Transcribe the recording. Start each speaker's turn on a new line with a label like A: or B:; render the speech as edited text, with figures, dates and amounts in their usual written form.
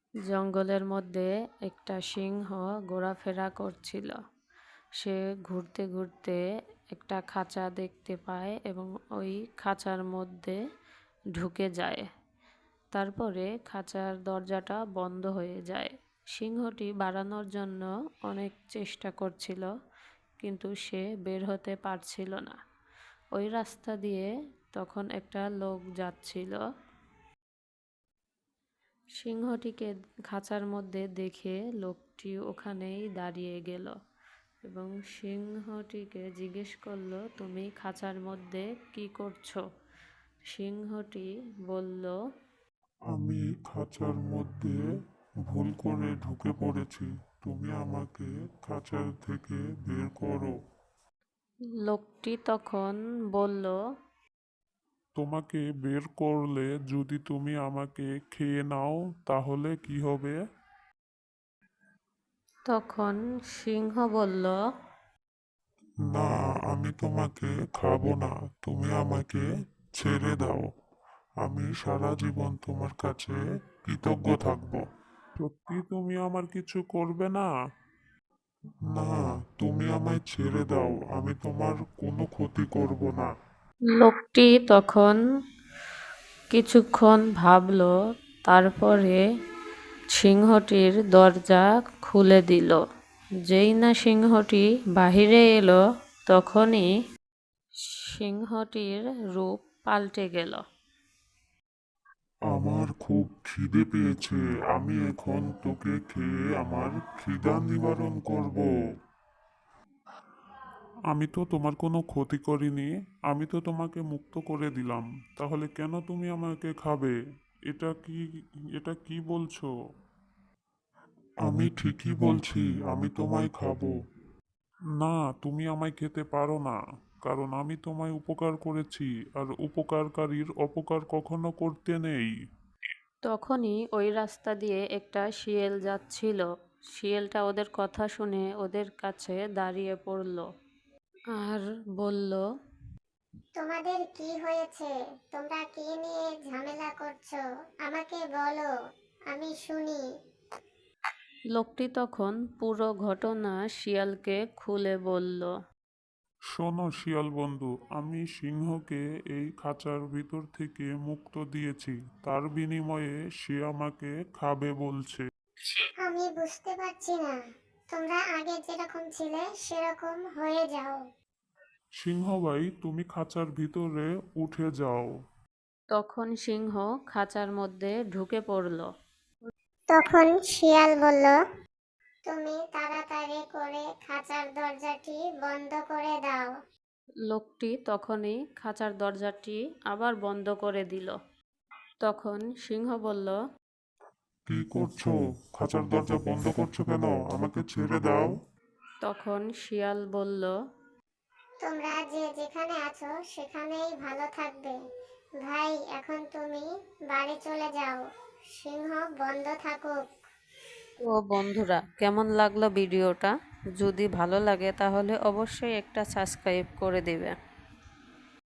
A: জঙ্গলের মধ্যে একটা সিংহ ঘোরাফেরা করছিল। সে ঘুরতে ঘুরতে একটা খাঁচা দেখতে পায় এবং ওই খাঁচার মধ্যে ঢুকে যায়। তারপরে খাঁচার দরজাটা বন্ধ হয়ে যায়। সিংহটি বাড়ানোর জন্য অনেক চেষ্টা করছিল, কিন্তু সে বের হতে পারছিল না। ওই রাস্তা দিয়ে তখন একটা লোক যাচ্ছিল। সিংহটিকে খাঁচার মধ্যে দেখে লোকটি ওখানেই দাঁড়িয়ে গেল এবং সিংহটিকে জিজ্ঞেস করলো, তুমি খাঁচার মধ্যে কি করছো? সিংহটি বলল,
B: আমি খাঁচার মধ্যে ভুল করে ঢুকে পড়েছি। তুমি আমাকে খাঁচার থেকে বের করো।
A: লোকটি তখন বলল,
B: তোমাকে বের করলে যদি তুমি আমাকে খেয়ে নাও তাহলে কি হবে?
A: তখন সিংহ বলল,
B: না, আমি তোমাকে খাবো না। তুমি আমাকে ছেড়ে দাও। আমি সারা জীবন তোমার কাছে কৃতজ্ঞ থাকবো। সত্যি তুমি আমার কিছু করবে না? না, তুমি আমায় ছেড়ে দাও। আমি তোমার কোনো ক্ষতি করব না।
A: লোকটি তখন কিছুক্ষণ ভাবল, তারপরে সিংহটির দরজা খুলে দিল। যেই না সিংহটি বাহিরে এলো, তখনই সিংহটির রূপ পাল্টে গেল।
B: আমার খুব খিদে পেয়েছে। আমি এখন তোকে খেয়ে আমার খিদা নিবারণ করব। আমি তো তোমার কোনো ক্ষতি করিনি। আমি তো তোমাকে মুক্ত করে দিলাম। তাহলে কেন তুমি আমাকে খাবে? এটা কি এটা কি বলছো? আমি ঠিকই বলছি, আমি তোমায় খাবো। না, তুমি আমায় খেতে পারো না। কারণ আমি তোমায় উপকার করেছি, আর উপকারকারীর অপকার কখনো করতে নেই।
A: তখনই ওই রাস্তা দিয়ে একটা শিয়াল যাচ্ছিল। শিয়ালটা ওদের কথা শুনে ওদের কাছে দাঁড়িয়ে পড়ল আর বলল,
C: তোমাদের কি হয়েছে? তোমরা কি নিয়ে ঝামেলা করছো? আমাকে বলো, আমি শুনি।
A: লোকটি তখন পুরো ঘটনা শিয়ালকে খুলে বলল।
B: শোনো শিয়াল বন্ধু, আমি সিংহকে এই খাঁচার ভিতর থেকে মুক্ত দিয়েছি। তার বিনিময়ে সে আমাকে খাবে বলছে।
C: আমি বুঝতে পারছি না। তোমরা আগে যেরকম ছিলে সেরকম হয়ে যাও।
B: সিংহ ভাই, তুমি খাঁচার ভিতরে উঠে যাও।
A: তখন সিংহ খাঁচার মধ্যে ঢুকে পড়ল।
C: তখন শিয়াল বলল, তুমি তাড়াতাড়ি করে খাঁচার দরজাটি বন্ধ করে দাও।
A: লোকটি তখনই খাঁচার দরজাটি আবার বন্ধ করে দিল। তখন সিংহ বলল,
B: কি করছো? খাঁচার দরজা বন্ধ করছো কেন? আমাকে ছেড়ে দাও।
A: তখন শিয়াল বলল,
C: তোমরা যে যেখানে আছো সেখানেই ভালো থাকবে। ভাই, এখন তুমি বাড়ি চলে যাও। সিংহ বন্ধ থাকুক।
A: তো বন্ধুরা, কেমন লাগলো ভিডিওটা? যদি ভালো লাগে তাহলে অবশ্যই একটা সাবস্ক্রাইব করে দেবে।